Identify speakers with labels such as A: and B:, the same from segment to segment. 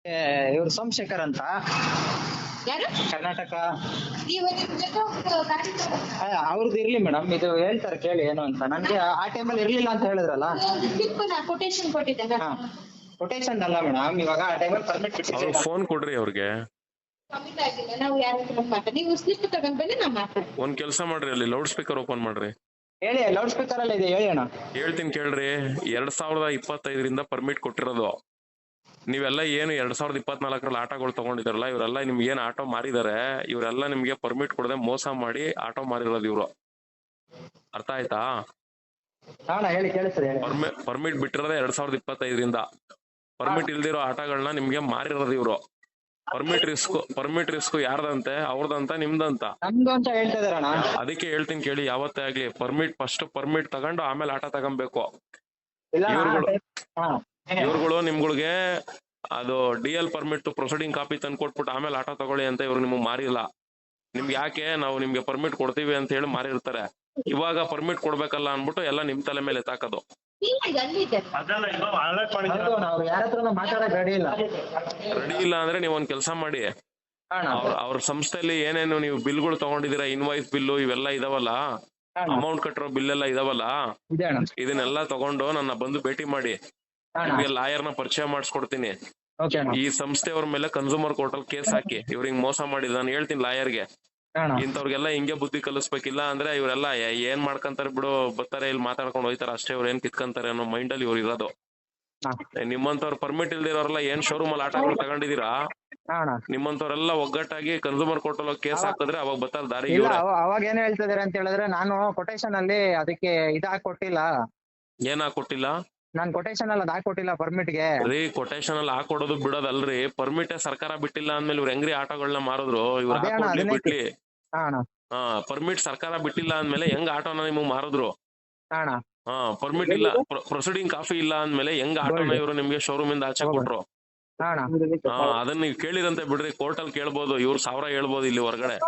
A: ಇವ್ರು ಸೋಮಶೇಖರ್ ಅಂತ
B: ಯಾರು
A: ಕರ್ನಾಟಕ.
B: ನೀವು ನಿಮ್ ಜೊತೆ ಒಂದು ಗಾಡಿ
A: ಅವ್ರದ್ದು ಇರ್ಲಿ ಮೇಡಮ್, ಇದು ಹೇಳ್ತಾರೆ ಕೇಳಿ ಏನು ಅಂತ. ನನ್ಗೆ ಆ ಟೈಮಲ್ಲಿ ಇರ್ಲಿಲ್ಲ ಅಂತ ಹೇಳಿದ್ರಲ್ಲ.
B: ಕೊಟೇಶನ್ ಕೊಟ್ಟಿದ್ದೆ.
A: ಕೊಟೇಶನ್ ಅಲ್ಲ ಮೇಡಮ್, ಇವಾಗ ಆ ಟೈಮಲ್ಲಿ ಪರ್ಮಿಟ್ ಬಿಟ್ಟಿದ್ದೆ.
C: ಫೋನ್ ಕೊಡ್ರಿ ಅವ್ರಿಗೆ.
B: ಕಮಿಟ್ ಆಗಿಲ್ಲ, ನಾವು ಯಾರ ಹತ್ರ ಮಾತಾಡ, ನೀವು ಸ್ಲಿಪ್ ತಗೊಂಡ್ ಬನ್ನಿ, ನಾವು ಮಾತಾಡ್ತೀವಿ.
C: ಒಂದ್ ಕೆಲಸ ಮಾಡ್ರಿ, ಅಲ್ಲಿ ಲೌಡ್ ಸ್ಪೀಕರ್ ಓಪನ್ ಮಾಡ್ರಿ.
A: ಹೇಳಿ, ಲೌಡ್ ಸ್ಪೀಕರ್ ಅಲ್ಲ ಇದೆ, ಹೇಳಿ ಅಣ್ಣ.
C: ಹೇಳ್ತೀನಿ ಕೇಳ್ರಿ. 2025 ಪರ್ಮಿಟ್ ಕೊಟ್ಟಿರೋದು. ನೀವೆಲ್ಲ ಏನು 2024 ಆಟೋಗಳು ತಗೊಂಡಿದಾರಲ್ಲ, ಇವರೆಲ್ಲ ನಿಮ್ಗೆ ಏನ್ ಆಟೋ ಮಾರಿದಾರೆ, ಇವರೆಲ್ಲ ನಿಮ್ಗೆ ಪರ್ಮಿಟ್ ಕೊಡದೆ ಮೋಸ ಮಾಡಿ ಆಟೋ ಮಾರಿರೋದು ಇವ್ರು. ಅರ್ಥ ಆಯ್ತಾ?
A: ಹೇಳಿ, ಕೇಳಿಸ್ತದೆ.
C: ಪರ್ಮಿಟ್ ಬಿಟ್ಟಿರೋದೇ 2025. ಪರ್ಮಿಟ್ ಇಲ್ದಿರೋ ಆಟೋಗಳನ್ನ ನಿಮ್ಗೆ ಮಾರಿರೋದು ಇವ್ರು. ಪರ್ಮಿಟ್ ರಿಸ್ಕ್ ಯಾರ್ದಂತೆ? ಅವ್ರದಂತ ನಿಮ್ದಂತ?
A: ನಮ್ದು ಅಂತ ಹೇಳ್ತಾ ಇದಾರಣ್ಣ.
C: ಅದಕ್ಕೆ ಹೇಳ್ತೀನಿ ಕೇಳಿ, ಯಾವತ್ತೇ ಆಗ್ಲಿ ಫಸ್ಟ್ ಪರ್ಮಿಟ್ ತಗೊಂಡು ಆಮೇಲೆ ಆಟ ತಗೊಬೇಕು. ಇವ್ರುಗಳು ನಿಮ್ಗಳಿಗೆ ಅದು DL ಪರ್ಮಿಟ್ ಪ್ರೊಸೀಡಿಂಗ್ ಕಾಪಿ ತಂದು ಕೊಟ್ಬಿಟ್ಟು ಆಮೇಲೆ ಆಟೋ ತಗೊಳ್ಳಿ ಅಂತ ಇವ್ರು ನಿಮ್ಗೆ ಮಾರಿಲ್ಲ. ನಿಮ್ಗೆ ಯಾಕೆ ನಾವು ನಿಮ್ಗೆ ಪರ್ಮಿಟ್ ಕೊಡ್ತೀವಿ ಅಂತ ಹೇಳಿ ಮಾರಿರ್ತಾರೆ. ಇವಾಗ ಪರ್ಮಿಟ್ ಕೊಡ್ಬೇಕಲ್ಲ ಅನ್ಬಿಟ್ಟು ಎಲ್ಲ ನಿಮ್ ತಲೆ ಮೇಲೆ ಎತ್ತಾಕೋದು.
A: ರೆಡಿ
C: ಇಲ್ಲ ಅಂದ್ರೆ ನೀವ್ ಒಂದ್ ಕೆಲಸ ಮಾಡಿ, ಅವ್ರ ಸಂಸ್ಥೆಯಲ್ಲಿ ಏನೇನು ನೀವು ಬಿಲ್ಗಳು ತಗೊಂಡಿದೀರಾ, ಇನ್ವಾಯ್ಸ್ ಬಿಲ್ಲು ಇವೆಲ್ಲ ಇದಾವಲ್ಲ, ಅಮೌಂಟ್ ಕಟ್ಟಿರೋ ಬಿಲ್ ಎಲ್ಲ ಇದಾವಲ್ಲ, ಇದನ್ನೆಲ್ಲ ತಗೊಂಡು ನನ್ನ ಬಂದು ಭೇಟಿ ಮಾಡಿ. ನಿಮ್ಗೆ ಲಾಯರ್ನ ಪರಿಚಯ ಮಾಡಿಸ್ಕೊಡ್ತೀನಿ. ಈ ಸಂಸ್ಥೆಯವ್ರ ಮೇಲೆ ಕನ್ಸೂಮರ್ ಕೋರ್ಟ್ ಅಲ್ಲಿ ಕೇಸ್ ಹಾಕಿ, ಇವ್ರಿಗೆ ಮೋಸ ಮಾಡಿದ ನಾನು ಹೇಳ್ತೀನಿ ಲಾಯರ್ಗೆ. ಇಂಥವ್ರಿಗೆಲ್ಲ ಹಿಂಗೆ ಬುದ್ಧಿ ಕಲಿಸ್ಬೇಕಿಲ್ಲ ಅಂದ್ರೆ ಇವರೆಲ್ಲ ಏನ್ ಮಾಡ್ಕಂತಾರೆ ಬಿಡು, ಬರ್ತಾರೆ ಇಲ್ಲಿ ಮಾತಾಡ್ಕೊಂಡು ಹೋಯ್ತಾರ ಅಷ್ಟೇ, ಇವ್ರು ಏನ್ ಕಿತ್ಕಂತಾರೆ ಅನ್ನೋ ಮೈಂಡ್ ಅಲ್ಲಿ ಇವ್ರು ಇರೋದು. ನಿಮ್ಮಂತವ್ರ ಪರ್ಮಿಟ್ ಇಲ್ದಿರೋರೆಲ್ಲ ಏನ್ ಶೋರೂಮ್ ಅಲ್ಲಿ ಆಟೋಗಳು ತಗೊಂಡಿದೀರಾ, ನಿಮ್ಮಂತವ್ರೆಲ್ಲ ಒಗ್ಗಟ್ಟಾಗಿ ಕನ್ಸೂಮರ್ ಕೋರ್ಟ್ ಅಲ್ಲಿ ಕೇಸ್ ಹಾಕಿದ್ರೆ ಅವಾಗ ಬರ್ತಾರೆ ದಾರಿ.
A: ಅವಾಗ ಏನ್ ಹೇಳ್ತಿದಾರೆ ಅಂತ ಹೇಳಿದ್ರೆ, ನಾನು ಕೊಟೇಶನ್ ಅಲ್ಲಿ ಅದಕ್ಕೆ ಕೊಟ್ಟಿಲ್ಲ.
C: ಏನ್ ಹಾಕೊಟ್ಟಿಲ್ಲ?
A: ನಾನ್ ಕೊಟೇಶನ್ ಅಲ್ಲಿ ಹಾಕೊಟ್ಟಿಲ್ಲ ಪರ್ಮಿಟ್ ಗೆ.
C: ರೀ, ಕೊಟೇಶನ್ ಅಲ್ಲಿ ಹಾಕೊಡೋದು ಬಿಡೋದಲ್ರಿ, ಪರ್ಮಿಟ್ ಸರ್ಕಾರ ಬಿಟ್ಟಿಲ್ಲ ಅಂದ್ಮೇಲೆ ಇವ್ರು ಹೆಂಗ್ರಿ ಆಟೋಗಳನ್ನ ಮಾರಿದ್ರು? ಇವ್ರು ಬಿಟ್ಲಿ. ಪರ್ಮಿಟ್ ಸರ್ಕಾರ ಬಿಟ್ಟಿಲ್ಲ ಅಂದ್ಮೇಲೆ ಹೆಂಗ್ ಆಟೋನ ನಿಮ್ಗೆ ಮಾರಿದ್ರು? ಪರ್ಮಿಟ್ ಇಲ್ಲ, ಪ್ರೊಸೀಡಿಂಗ್ ಕಾಫಿ ಇಲ್ಲ ಅಂದ್ಮೇಲೆ ಹೆಂಗ್ ಆಟೋನ ಇವ್ರು ನಿಮ್ಗೆ ಶೋರೂಮ್ ಇಂದ ಆಚೆ ಕೊಟ್ರು? ಅದನ್ನ ನೀವು ಕೇಳಿರಂತೆ ಬಿಡ್ರಿ, ಕೋರ್ಟ್ ಅಲ್ಲಿ ಕೇಳ್ಬೋದು, ಇವ್ರು 1000 ಹೇಳ್ಬೋದು ಇಲ್ಲಿ ಹೊರಗಡೆ.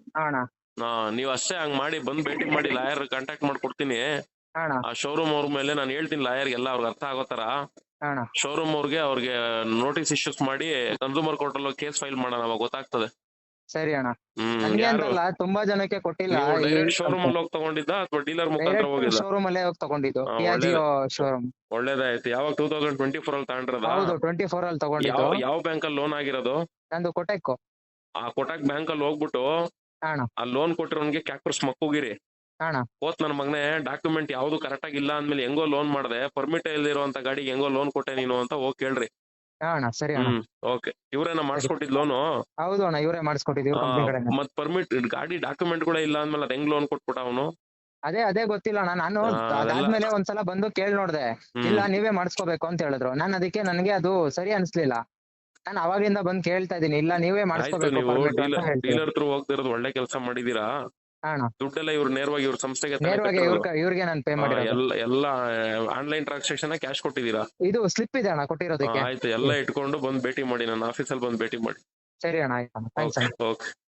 C: ನೀವ್ ಅಷ್ಟೇ ಹಂಗ್ ಮಾಡಿ ಬಂದ್ ಭೇಟಿ ಮಾಡಿ, ಲಾಯರ್ ಕಾಂಟ್ಯಾಕ್ಟ್ ಮಾಡ್ಕೊಡ್ತೀನಿ. ಆ ಶೋರೂಮ್ ಅವ್ರ ಮೇಲೆ ನಾನು ಹೇಳ್ತೀನಿ ಲಾಯರ್ಗೆಲ್ಲ, ಅವ್ರಿಗೆ ಅರ್ಥ ಆಗೋ ತರ. ಶೋರೂಮ್ ಅವ್ರಿಗೆ ನೋಟಿಸ್ ಇಶ್ಯೂಸ್ ಮಾಡಿ ಕನ್ಸೂಮರ್ ಕೋರ್ಟ್ ಅಲ್ಲಿ ಕೇಸ್ ಫೈಲ್ ಮಾಡೋಣ, ಅವಾಗ ಗೊತ್ತಾಗ್ತದೆ.
A: ಸರಿ ಅಣ್ಣ. ತುಂಬಾ ಜನಕ್ಕೆ ಕೊಟ್ಟಿಲ್ಲ.
C: ಶೋರೂಮ್ ಅಲ್ಲಿ ಹೋಗಿ ತಗೊಂಡಿದ್ದ ಅಥವಾ ಡೀಲರ್ ಮುಖಾಂತರ ಹೋಗಿಲ್ಲ?
A: ಶೋರೂಮ್ ಅಲ್ಲೇ ಹೋಗಿ ತಗೊಂಡಿದ್ದು, ಶೋರೂಮ್.
C: ಒಳ್ಳೇದಾಯ್ತು. ಯಾವಾಗ 2024 ಅಲ್ಲಿ ತಗೊಂಡಿರೋದ?
A: ಹೌದು, 24 ಅಲ್ಲಿ ತಗೊಂಡಿದ್ದು.
C: ಯಾವ ಬ್ಯಾಂಕ್ ಅಲ್ಲಿ ಲೋನ್ ಆಗಿರೋದು?
A: ನಂದು ಕೊಟೆಕ್.
C: ಆ ಕೊಟಕ್ ಬ್ಯಾಂಕ್ ಅಲ್ಲಿ ಹೋಗ್ಬಿಟ್ಟು ಆ ಲೋನ್ ಕೊಟ್ಟಿರೋನ್ಗೆ ಕ್ಯಾಕ್ಟರ್ಸ್ ಮಕ್ಕೋಗಿರಿ. ಹೋತ್ ನನ್ ಮಗನೇ, ಡಾಕ್ಯುಮೆಂಟ್ ಯಾವ್ದು ಕರೆಕ್ಟ್ ಆಗಿಲ್ಲ ಅಂದ್ಮೇಲೆ ಹೆಂಗೋ ಲೋನ್ ಮಾಡ್ದೆ, ಪರ್ಮಿಟ್ ಇಲ್ದಿರುವಂತ ಗಾಡಿಗೆ ಹೆಂಗೋ ಲೋನ್ ಕೊಟ್ಟೆ ನೀನು ಅಂತ ಹೋಗಿ ಕೇಳ್ರಿ.
A: ಸರಿ.
C: ಓಕೆ. ಇವ್ರೇನ ಮಾಡಿಸ್ಕೊಟ್ಟಿದ್ ಲೋನು?
A: ಹೌದು ಅಣ್ಣ, ಇವರೇ ಮಾಡಿಸ್ಕೊಟ್ಟಿದ್ದೀವಿ.
C: ಮತ್ ಪರ್ಮಿಟ್ ಗಾಡಿ ಡಾಕ್ಯುಮೆಂಟ್ ಕೂಡ ಇಲ್ಲ ಅಂದ್ಮೇಲೆ ಅದ್ ಹೆಂಗ್ ಲೋನ್ ಕೊಟ್ಬಿಟ್ಟ ಅವನು?
A: ಅದೇ ಗೊತ್ತಿಲ್ಲ ಅಣ್ಣ. ನಾನು ಅದಾದ್ಮೇಲೆ ಒಂದ್ಸಲ ಬಂದು ಕೇಳಿ ನೋಡ್ದೆ, ಇಲ್ಲ ನೀವೇ ಮಾಡಿಸ್ಕೋಬೇಕು ಅಂತ ಹೇಳಿದ್ರು. ನಾನು ಅದಕ್ಕೆ ನನಗೆ ಅದು ಸರಿ ಅನ್ಸ್ಲಿಲ್ಲ. ನಾನು ಅವಾಗಿಂದ ಬಂದ್ ಕೇಳ್ತಾ ಇದೀನಿ, ಇಲ್ಲ ನೀವೇ ಮಾಡಿಸ್ಕೋಬೇಕು.
C: ಡೀಲರ್ ಥ್ರೂ ಹೋಗ್ತಿರೋದು ಒಳ್ಳೆ ಕೆಲಸ ಮಾಡಿದೀರಾ. ದುಡ್ಡೆಲ್ಲ ಇವ್ರು ನೇರವಾಗಿ ಇವ್ರ ಸಂಸ್ಥೆಗೆ
A: ಇವ್ರಿಗೆ ನಾನು ಪೇ ಮಾಡಿ
C: ಎಲ್ಲ ಆನ್ಲೈನ್ ಟ್ರಾನ್ಸಾಕ್ಷನ್ ಕ್ಯಾಶ್ ಕೊಟ್ಟಿದ್ದೀರಾ?
A: ಇದು ಸ್ಲಿಪ್ ಇದೆ ಅಣ್ಣ ಕೊಟ್ಟಿರೋದಕ್ಕೆ.
C: ಆಯ್ತು, ಎಲ್ಲ ಇಟ್ಕೊಂಡು ಬಂದ್ ಭೇಟಿ ಮಾಡಿ, ನನ್ನ ಆಫೀಸಲ್ಲಿ ಬಂದ್ ಭೇಟಿ ಮಾಡಿ.
A: ಸರಿ ಅಣ್ಣ, ಆಯ್ತು.
C: ಓಕೆ.